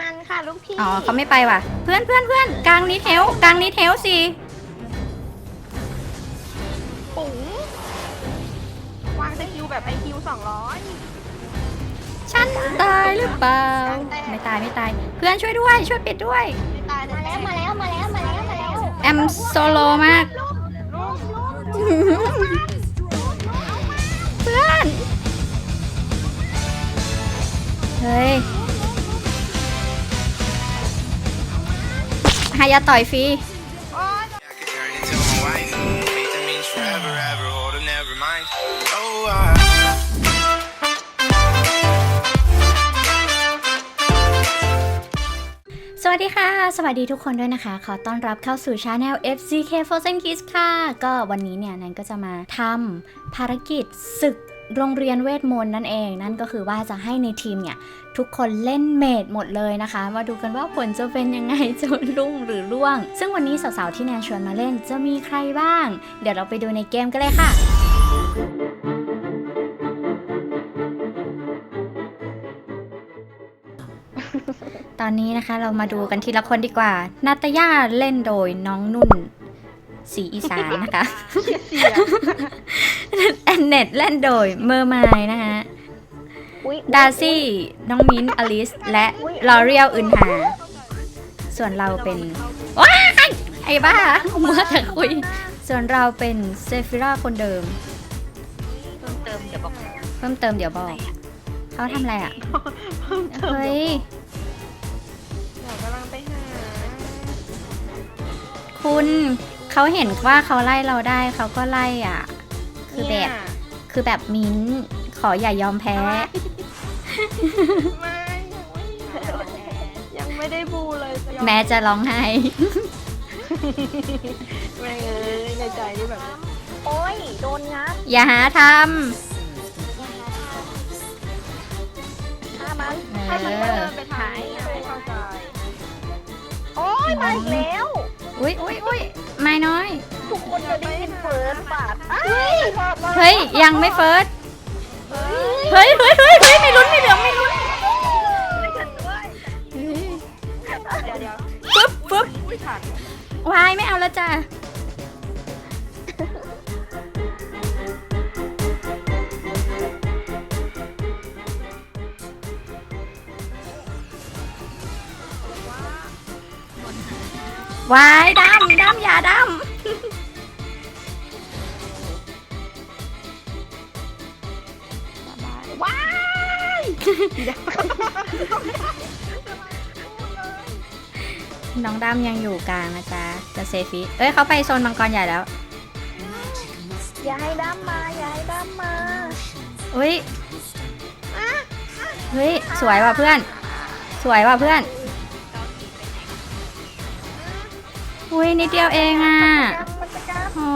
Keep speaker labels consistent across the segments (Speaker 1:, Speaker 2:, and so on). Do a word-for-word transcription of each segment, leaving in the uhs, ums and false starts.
Speaker 1: มันค่ะลูกพี่
Speaker 2: อ๋อเขาไม่ไปว่ะเพื่อนเพื่อนเพื่อนกลางนี้เทลกลางนี้เทลสิ
Speaker 1: ปุ๋งวางสกิลแบบไอคิวสองร้อย
Speaker 2: ฉันตายหรือเปล่าไม่ตายไม่ตายเพื่อนช่วยด้วยช่วยปิดด้วย
Speaker 1: ไม่ตาย
Speaker 3: มาแล้วมาแล้วมาแล้วมาแล้วมาแล้ว
Speaker 2: แอมโซโลมากเพื่อนเฮ้ยหายาต่อยฟรีสวัสดีค่ะสวัสดีทุกคนด้วยนะคะขอต้อนรับเข้าสู่ช anel เอฟ ซี เค Frozen Kids ค่ะก็วันนี้เนี่ยนันก็จะมาทำภารกิจศึกโรงเรียนเวทมนต์นั่นเองนั่นก็คือว่าจะให้ในทีมเนี่ยทุกคนเล่นเมจหมดเลยนะคะมาดูกันว่าผลจะเป็นยังไงจะรุ่งหรือร่วงซึ่งวันนี้สาวๆที่แนนชวนมาเล่นจะมีใครบ้างเดี๋ยวเราไปดูในเกมกันเลยค่ะตอนนี้นะคะเรามาดูกันทีละคนดีกว่านาตาย่าเล่นโดยน้องนุ่นสีอีสานนะคะแอนเน็ตเล่นโดยเมอร์มายนะคะดาซี่น้องมิ้นอลิสและลอเรียลอึนหาส่วนเราเป็นว้ายไอ้บ้าเมื่อแต่คุยส่วนเราเป็นเซฟิราคนเดิม
Speaker 1: เพิ่มเติมเดี๋ยวบอก
Speaker 2: เพิ่มเติมเดี๋ยวบอกเขาทำอะไรอ่ะเฮ้ย
Speaker 1: กำลังไปหา
Speaker 2: คุณเขาเห็นว่าเขาไล่เราได้เขาก็ไล่อ่ะคือแบบคือแบบมิ้นขออย่ายอมแพ้
Speaker 1: ไม่ยังไม่ได้บูเลย
Speaker 2: แม้จะร้องไห้
Speaker 1: ไม่เอ้ยในใจนี่แบบโอ๊ยโดนงับ
Speaker 2: อย่าหาท
Speaker 1: ำถ้ามันถ้ามันเดินไปถ่ายไม่เข้าใจโอ๊ยมาอีกแล้ว
Speaker 2: อุ้ยอุ้ยอุ้ยไม่น้อย
Speaker 1: ทุกคนจะได้ยินเฟิร์สปาด
Speaker 2: เฮ้ยยังไม่เฟิร์สเฮ้ยเฮ้ยเฮ้ยเฮ้ยไม่ลุ้นไม่เหลืองไม่ลุ้น
Speaker 1: เดี๋ยวเดี๋ยว
Speaker 2: ปึ๊บปึ๊บวายไม่เอาแล้วจ้ะวายดำดำอย่าดำ
Speaker 1: ว้าย
Speaker 2: น้องดำยังอยู่กลางนะจ๊ะจะเซฟิเอ้ยเขาไปโซนมังกรใหญ่แล้ว
Speaker 1: อย่าให้ดำมาอย่าให้ดำมา
Speaker 2: อุ้ยเฮ้ยสวยว่ะเพื่อนสวยว่ะเพื่อนอุ้ยนิดเดียวเองอ่ะโอ้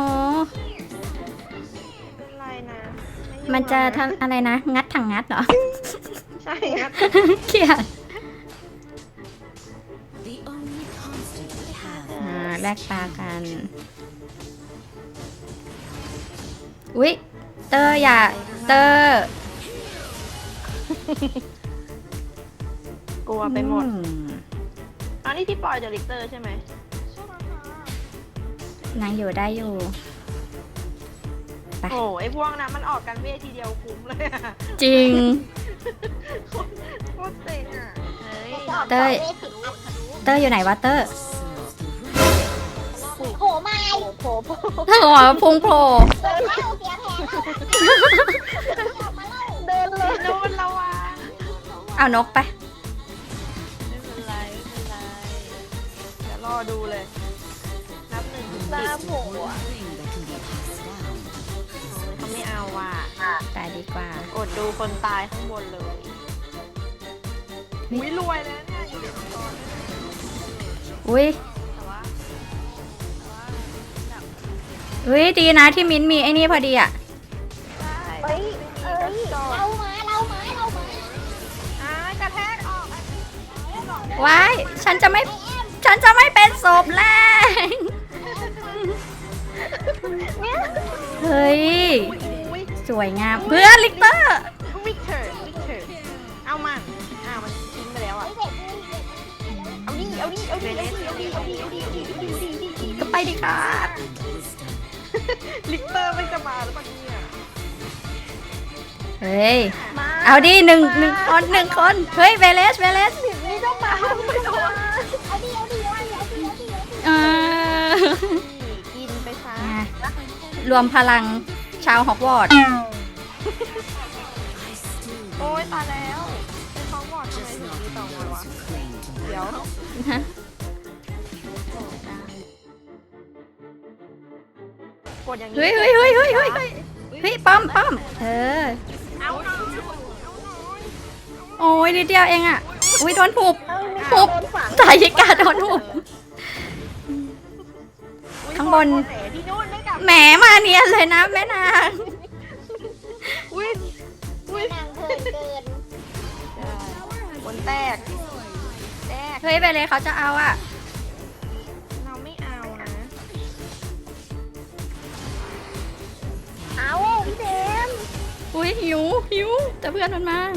Speaker 2: มันจะทำอะไรนะงัดถังงัดเหรอ
Speaker 1: ใช่ครับ
Speaker 2: เขียดแลกตากันอุ๊ยเตอร์อย่าเตอร์
Speaker 1: กลัวไปหมดอันนี้ที่ปล่อยเดลิเตอร์ใช่ไหม
Speaker 2: นางอยู่ได้อยู่
Speaker 1: โอ้ไอพวกนั้นมันออกกันเวทีเดียวคุ้มเลย
Speaker 2: จริง
Speaker 1: โคตรเจ๋งอ่ะ
Speaker 2: เตอร์เตอร์อยู่ไหนวะเตอร์
Speaker 3: โผมาโผโผ
Speaker 2: หัวพุงโผล่
Speaker 1: เดินเลยโดนระวัง
Speaker 2: เอานกไป
Speaker 1: ไม่เป็นไรไม่เป็นไรเดี๋ยวรอดูเลยนับหนึ่งถึงสิบน้ำโผล่เขาไม่เอาว่ะ
Speaker 2: ตายดีกว่า
Speaker 1: อดดูคนตายข้างบนเลยอุ้ยรวยแล้วเนี่ยอยู่ในตอน
Speaker 2: อุ้ยอุ้ยดีนะที่มิ้นมีไอ้นี่พอดีอ่ะ
Speaker 1: เฮ้ยเอ้ย
Speaker 3: เรามาเรามาเรามา
Speaker 1: อ่ากระแทกออก
Speaker 2: ว้ายฉันจะไม่ฉันจะไม่เป็นศพแล้วเฮ้ยสวยงามเพื่อนลิกเตอร์
Speaker 1: วิกเตอร์วิกเตอร์เอามันอ้าวมันทิ้งไปแล้วอ่ะเอาดิเอาดิเอาดิเอาดิเอาดิเอาดิเอาดิเอาดิเอาดิเอาดิ
Speaker 2: ก็ไปดิครับ
Speaker 1: ลิกเตอร์ไม่จะมาหรือเปล่าเนี่ย
Speaker 2: เฮ้ย
Speaker 1: มา
Speaker 2: เอาดิหนึ่งหนึ่งคนหนึ่งคน เฮ้ยเวเลสเวเลส
Speaker 1: นี่ต้องมาไม่โดน
Speaker 3: เอาดิเอาดิเอาดิเอาดิเอาดิ
Speaker 2: เออ
Speaker 1: กินไปซะ
Speaker 2: รวมพลังชาวฮอกวอตส์
Speaker 1: โอ้ยตายแล้วเป็นท้องบอดทำไมถึงมีต่อมาวะเดี๋ยวกดอย่างนี้
Speaker 2: เฮ้ยเฮ้ยเฮ้ยเฮ้ยเฮ้ยเฮ้ยเฮ้ยป้อมป้อมเออ
Speaker 1: เอาหน่อย
Speaker 2: โอ้ยนิดเดียวเองอ่ะ อุ้ยโดนหุบ
Speaker 1: เอาหน่อย
Speaker 2: หุบสายยิกาโดนหุบ ข้างบน
Speaker 1: แหมที่นู่นไม่กลับ
Speaker 2: แหมมาเนียนเลยนะแม่นาง
Speaker 1: อุ้ยอุ้ย
Speaker 3: นางเกินเกิน
Speaker 1: บนแตกแตก
Speaker 2: เฮ้ยไปเลยเขาจะเอาอ่ะ
Speaker 1: เราไม่เอานะ
Speaker 3: เอาพี่เดม
Speaker 2: อุ้ยหิวหิวแต่เพื่อนมันมา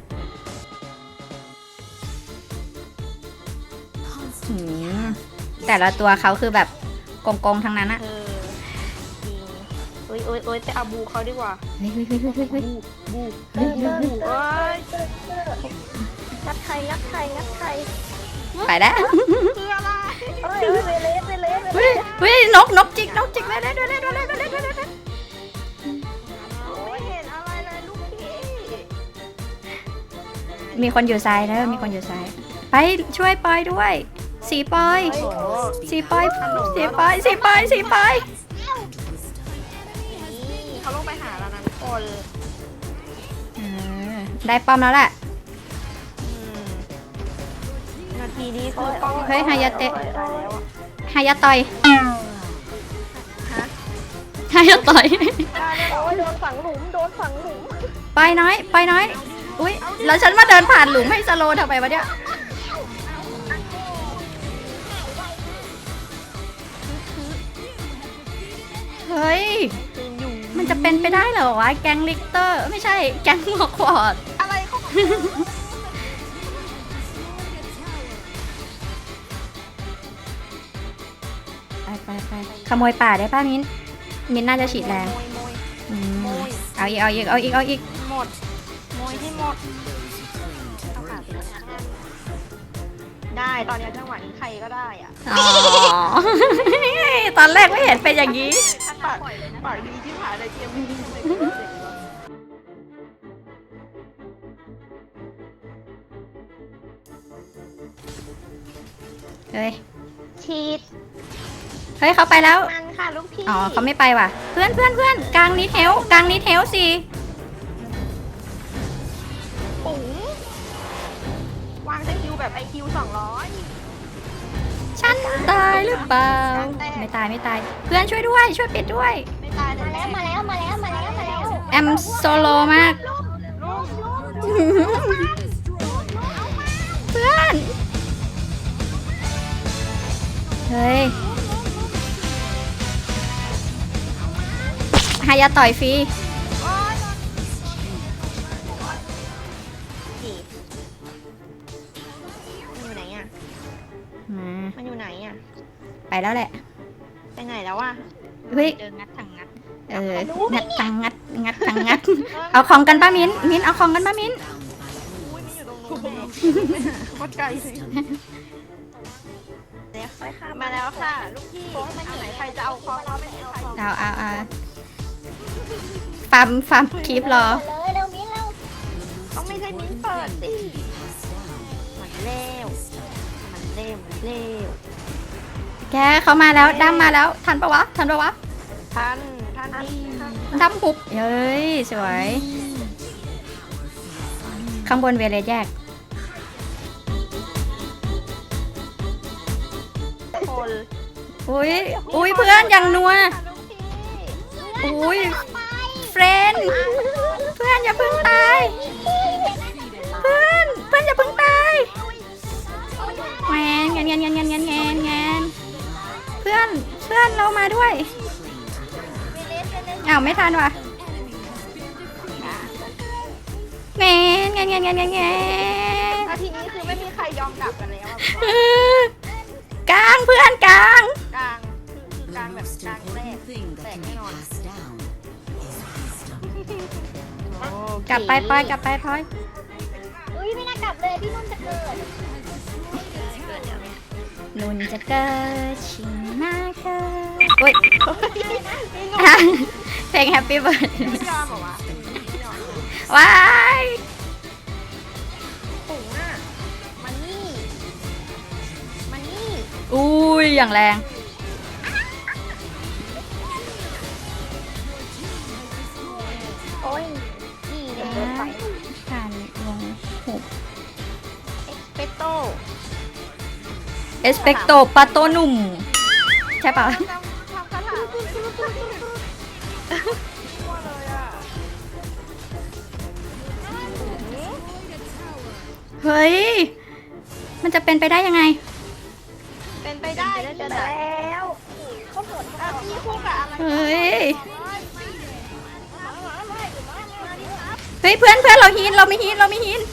Speaker 2: หืมแต่ละตัวเขาคือแบบกงๆทั้งนั้นอะ
Speaker 1: เออจริงโอ้ยโอ้ยโอ้ยไปเอาบูเขาดีกว่า
Speaker 2: เฮ้ยเฮ้ยเฮ้ยเฮ้ยเฮ้ย
Speaker 1: บู
Speaker 2: เฮ้ยเฮ้ยเฮ้ย
Speaker 1: เอ้ย
Speaker 3: งัดใครงัดใครงัดใคร
Speaker 2: ไปแล้ว
Speaker 1: คืออะไร
Speaker 3: เอ้ยเอ้ยเวเลสเวเลสเวเล
Speaker 2: เฮ้ย
Speaker 3: ส
Speaker 2: เฮ้ยนกนกจิกนกจิกเลยเลยเลยเลยเลยเลยเลยเลย
Speaker 1: ไม่เห็นอะไรเลยลูกพี่
Speaker 2: มีคนอยู่ซ้ายแล้วมีคนอยู่ซ้ายไปช่วยปอยด้วยสีปอย
Speaker 1: โอ้โห
Speaker 2: สีปอยสีปอยสีปอยสีปอย
Speaker 1: นี่เขาลงไปหาแล้วนะทุกคน
Speaker 2: เออได้ป้อมแล้วแหละ
Speaker 1: อืมนาทีนี้คือป้อง
Speaker 2: เฮ้ยฮายาเตะ
Speaker 1: ตายแล้วอะ
Speaker 2: ฮายาต่อย
Speaker 1: ฮะ
Speaker 2: ฮายาต่อย
Speaker 1: ได้เลยเหรอ
Speaker 3: โอ้ยโดนฝังหลุมโดนฝังหลุม
Speaker 2: ไปน้อยไปน้อยอุ้ยแล้วฉันมาเดินผ่านหลุมให้สโลว์ทำไมวะเนี่ยเฮ้ย
Speaker 1: คืออยู่
Speaker 2: มันจะเป็นไปได้เหรอวะแก๊งลิกเตอร์ไม่ใช่แก๊งฮอกวอตส์
Speaker 1: อะไรเขาบอก
Speaker 2: ไปไปไปขโมยป่าได้ป่ะมิ้นมิ้นน่าจะฉีดแรง
Speaker 1: โมยโมย
Speaker 2: อืมเอาอีกเอาอีกเอาอีกเอาอีก
Speaker 1: หมดโมยที่หมดเอาขาไปเลยได้ตอนนี้จังหวะนี้ใครก็ได้อ่ะ
Speaker 2: อ๋อ ตอนแรกไม่เห็นเป็นอย่างนี้
Speaker 1: ปากปากดีที่ผ่านในเกมนี้
Speaker 2: เฮ้ย
Speaker 3: ฉีด
Speaker 2: เฮ้ยเขาไปแล้ว
Speaker 3: มันค่ะลูกพี่
Speaker 2: อ๋อเขาไม่ไปว่ะ เพื่อนเพื่อนเพื่อนกลางนี้เทลกลางนี้เทลสิ
Speaker 1: ปุ๋งวางสกิลแบบไอคิวสองร้อย
Speaker 2: ฉันตายหรือเปล่า ไม่ตายไม่ตาย เพื่อนช่วยด้วย ช่วยปิดด้วย
Speaker 1: ไม่ตายเล
Speaker 3: มาย แล้วมาแล้วมาแล้วมาแล้วมาแล้ว
Speaker 2: แอมโซโลมาก
Speaker 1: ลูก
Speaker 2: เพื่อน เฮ้ยฮายาต่อยฟรี
Speaker 1: โอ๊ยจีบมันอยู่ไหนอ่ะ
Speaker 2: มา
Speaker 1: มันอยู่ไหนอ่ะ
Speaker 2: ไปแล้วแหละ
Speaker 1: ไปไหนแล้วอ่ะ
Speaker 2: เฮ้ย
Speaker 1: เดินงัดถังงัด
Speaker 2: เออ งัดตังงัด งัดตังงัด เอาของกันป้ามิ้น มิ้นเอาของกันป้ามิ้น
Speaker 1: อุ้ยมันอยู่ตรงนู้นแน่โคตรไกลเลยเดี๋ยวค่อยข้ามมาแล้วค่ะ ลูกพี่เอาไหนใครจะเอาคอเขาไม่เอาใคร
Speaker 2: เอาเอาเอาฟาร์มฟาร์มคลิปรอ
Speaker 3: เลยเร็วมิ้นเร็ว
Speaker 1: ต้องไม่ใช่มิ้นเปิดสิมันเร็วมันเร็วมันเร็ว
Speaker 2: แกเขามาแล้วดั้มมาแล้ว ทันปะวะ ทันปะวะ
Speaker 1: ท่านท่านนี่
Speaker 2: ดั้มหุบเย้ย สวย ข้างบนเวเลสแยก
Speaker 1: คน
Speaker 2: อุ้ย อุ้ยเพื่อนอย่างนัว
Speaker 1: ลูกพี่
Speaker 2: อุ้ยเฟรนด์เพื่อนอย่าเพิ่งตาย เพื่อนเพื่อนอย่าเพิ่งตายแงนแงนแงนแงนแงนแงนแงนแงนเพื่อนเพื่อนเรามาด้วยอ้าวไม่ทันว่ะแงนแงนแงนแงนแงนแงน
Speaker 1: นาทีนี้คือไม่มีใครยอมกลับกันแล้วอะ
Speaker 2: เออกลางเพื่อนกลาง
Speaker 1: กลางคือคือกลางแบบกลางแรกแตกแน่นอน
Speaker 2: กลับไปพลอยกลับไปพลอย
Speaker 3: อุ้ยไม่น่ากลับเลยพี่นุ่นจะเกิด
Speaker 2: นุ่นจะเกิดชิงหน้าเกิดโอ๊ยเพลง Happy Birthday
Speaker 1: ไม่ยอมเหรอวะไม่ยอม
Speaker 2: ว้าย
Speaker 1: ปุ๋งอ่ะมันนี่มันนี่
Speaker 2: อุ้ยอย่างแรง
Speaker 3: โอ้ยนี่เลยเดินไป
Speaker 2: ผ่านวงหุบ
Speaker 1: เอ็กเปโต้
Speaker 2: เอสเปกโตปาโตนุ่ม ใช่ปะ
Speaker 1: ทำทำคาถาไม่ได้ทั่วเลยอ่ะ
Speaker 2: เฮ้ย มันจะเป็นไปได้ยังไง
Speaker 1: เป็นไปได้ที่
Speaker 3: เจอ
Speaker 1: แบบ
Speaker 3: แล้วเขาหมด
Speaker 1: อ่ะพี่คู่กับอะไร
Speaker 2: เฮ้ย เฮ้ยเพื่อนเพื่อนเราฮีนเราไม่ฮีนเราไม่ฮีน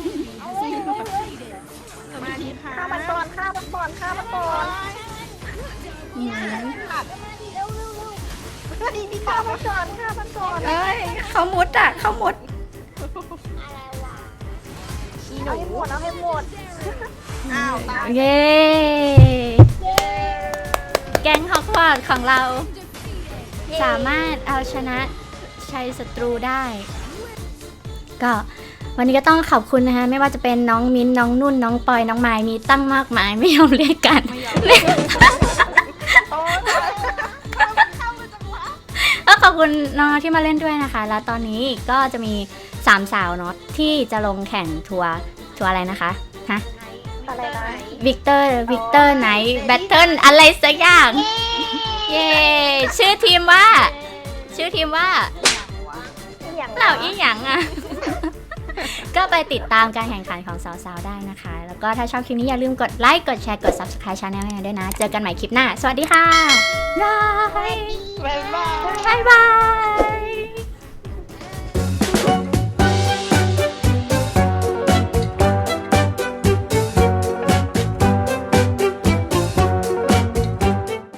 Speaker 1: มาดีค่ะ
Speaker 3: ฆ่ามันก่อนฆ่ามันก่อนฆ่ามันก่อน
Speaker 2: อืม
Speaker 1: ขาด
Speaker 3: เร็วเร็วเร็วพี่ฆ่ามันก่อนฆ่ามันก่อน
Speaker 2: เอ้ยเขามุดอ่ะเขามุด
Speaker 3: อะไรวะ
Speaker 1: ขี้ห
Speaker 3: เอา
Speaker 1: นู
Speaker 3: ให้หมดเอาให้หมด
Speaker 1: อ้าวตาย
Speaker 2: เย้
Speaker 3: เย้
Speaker 2: แก๊งฮอกวอตส์ของเรา สามารถเอาชนะชัยศัตรูได้ ก็วันนี้ก็ต้องขอบคุณนะคะ ไม่ว่าจะเป็นน้องมิ้นน้องนุ่นน้องปอยน้องไม้มีตั้งมากมายไม่ยอมเรียกกัน
Speaker 1: ไม่ยอมเลยโอ้ยเข้ามาจังวะ
Speaker 2: ก็ขอบคุณน้องๆที่มาเล่นด้วยนะคะ แล้วตอนนี้ก็จะมีสามสาวเนาะที่จะลงแข่งทัวร์ทัวร์อะไรนะคะฮะ
Speaker 3: อะไรนะ
Speaker 2: วิกเตอร์วิกเตอร์ไนท์แบทเทิลอะไรสักอย่าง เย้ชื่อทีมว่า ชื่อทีมว่า
Speaker 3: อย่าง
Speaker 2: เหล่าอีหยังอ่ะ ก็ไปติดตามการแข่งขันของสาวๆได้นะคะ แล้วก็ถ้าชอบคลิปนี้อย่าลืมกดไลค์ กดแชร์ กด Subscribe Channel ให้ด้วยนะ เจอกันใหม่คลิปหน้า สวัสดีค่ะ บาย
Speaker 1: บ๊ายบาย
Speaker 2: บายบาย